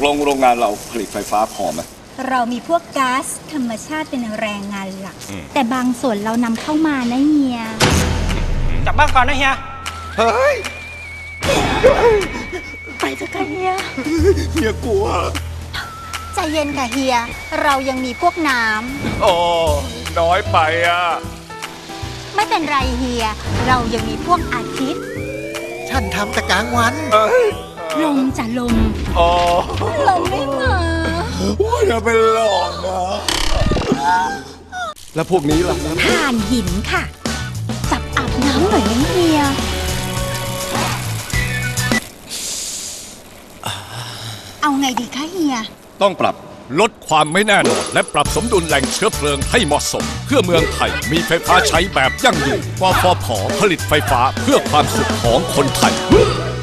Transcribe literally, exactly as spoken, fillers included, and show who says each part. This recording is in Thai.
Speaker 1: ลงโรงงานเราผลิตไฟฟ้าพอไหม
Speaker 2: เรามีพวกก๊าซธรรมชาติเป็นแรงงานหลักแต่บางส่วนเรานำเข้ามานะเฮีย
Speaker 3: กลับบ้านก่อนนะเฮีย
Speaker 1: เฮ้ย
Speaker 2: ไปเถอะค่ะเฮีย
Speaker 1: เฮียกลัว
Speaker 2: ใจเย็นค่ะเฮียเรายังมีพวกน้
Speaker 1: ำโอ้น้อยไปอ่ะ
Speaker 2: ไม่เป็นไรเฮียเรายังมีพวกอาทิตย์
Speaker 4: ฉันทำแต่กลางวัน
Speaker 2: ลมจะลม
Speaker 1: อ๋อ
Speaker 2: ลมไม่มา
Speaker 1: ว่าอย่าไปหลอกนะแล้วพวกนี้ล่ะ
Speaker 2: ถ่านหินค่ะจับอาบน้ำหน่อยนะเฮียเอาไงดีคะเฮีย
Speaker 1: ต้องปรับ
Speaker 5: ลดความไม่แน่นอนและปรับสมดุลแหล่งเชื้อเพลิงให้เหมาะสมเพื่อเมืองไทยมีไฟฟ้าใช้แบบยั่งยืนกฟผ.ผลิตไฟฟ้าเพื่อความสุขของคนไทย